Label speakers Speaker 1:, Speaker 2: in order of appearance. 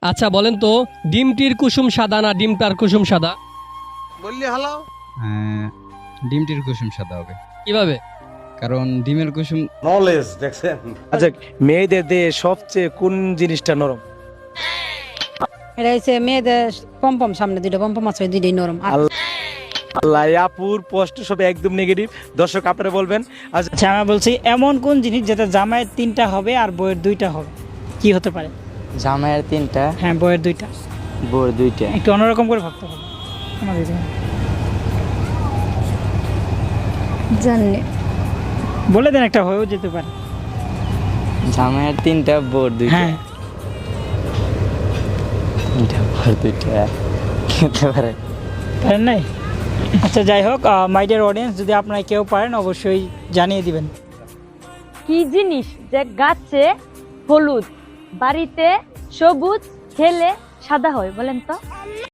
Speaker 1: আচ্ছা বলেন তো, ডিমটির কুসুম সাদা না ডিমটার কুসুম সাদা?
Speaker 2: বললি হালাও।
Speaker 3: ডিমটির কুসুম সাদা হবে,
Speaker 1: কিভাবে?
Speaker 3: কারণ ডিমের কুসুম
Speaker 2: নলেজ দেখছেন।
Speaker 4: আচ্ছা, মেয়েদের দেহে সবচেয়ে কোন জিনিসটা নরম?
Speaker 5: এটা হচ্ছে মেয়েদের পম্পম, সামনে দুইটা পম্পম আছে, ওই দুইটাই নরম। আর
Speaker 4: আল্লাহ, আপুর প্রশ্ন সব একদম নেগেটিভ। দর্শক আপনারা বলবেন।
Speaker 6: আচ্ছা আমরা বলছি এমন কোন জিনিস যেটা জামাইয়ের 3টা হবে আর বইয়ের 2টা হবে, কি হতে পারে?
Speaker 7: জামাইয়ের 3টা,
Speaker 6: হ্যাঁ বইয়ের 2টা।
Speaker 7: বউর 2টা।
Speaker 6: একটু অন্যরকম করে ভাবতে হবে আমাদের জন্য।
Speaker 5: জানি
Speaker 6: বলে দেন, একটা হয়েও যেতে পারে।
Speaker 7: জামাইয়ের 3টা, বউর 2টা।
Speaker 6: হ্যাঁ
Speaker 7: 3টা, বউর 2টা কি হতে পারে?
Speaker 6: পারেন নাই? আচ্ছা যাই হোক, মাই ডিয়ার অডিয়েন্স, যদি আপনারা কেউ পারেন অবশ্যই জানিয়ে দিবেন।
Speaker 8: কি জিনিস যে গাছে হলুদ, বাড়িতে সবুজ, খেলে সাদা হয়, বলেন তো?